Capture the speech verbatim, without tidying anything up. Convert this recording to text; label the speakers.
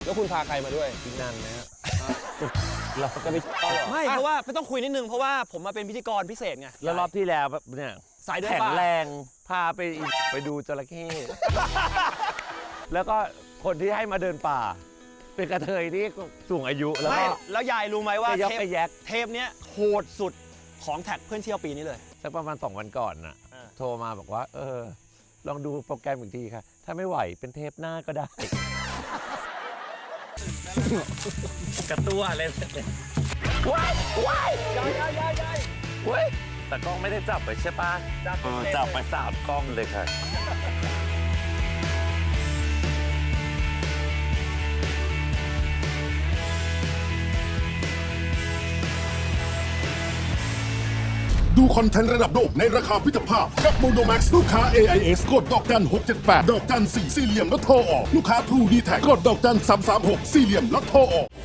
Speaker 1: แล้วคุณพาใครมาด้วย
Speaker 2: อีกนานนะฮะ
Speaker 1: เราจะไปเที่ยวเหรอ
Speaker 3: ไม่เพราะว่าไม่ต้องคุยนิดนึงเพราะว่าผมมาเป็นพิธีกรพิเศษไง
Speaker 2: แล้วรอบที่แล้วเนี่ย
Speaker 3: สายเดิน
Speaker 2: แข็ง
Speaker 3: ป่า
Speaker 2: แรงพาไปไปดูจระเข้ แล้วก็คนที่ให้มาเดินป่า เป็นกระเทยที่สูงอายุแล้ว
Speaker 3: ไม่
Speaker 2: ก็
Speaker 3: แล้วยายรู้ไหมว่า
Speaker 2: ไปยัก
Speaker 3: เทป
Speaker 2: ไปแยก
Speaker 3: เทปเนี้ยโหดสุดของแท็กเพื่อนเที่ยวปีนี้เลย
Speaker 2: สักประมาณสองวันก่อนน่ะ
Speaker 3: อ่า
Speaker 2: โทรมาบอกว่า เออ ลองดูโปรแกรมอีกทีค่ะ ถ้าไม่ไหวเป็นเทปหน้าก็ได้ กระตัวอะไรเนี่ยว้ายว้าย
Speaker 1: ยายยายยายยาย
Speaker 2: เว้ยแต่กล้องไม่ได้จับไปใช่ปะ
Speaker 1: จับ
Speaker 2: เออจับไปสามกล้องเลยค่ะ
Speaker 4: ดูคอนเทนต์ระดับโลกในราคาพิจภาพกับ Mono Max ลูกค้า เอ ไอ เอส กดดอกจันหกเจ็ดแปดดอกจันสี่สี่เหลี่ยมแล้วโทรออกลูกค้า True ดี แท็ก กดดอกจันสามสามหกสี่เหลี่ยมแล้วโทรออก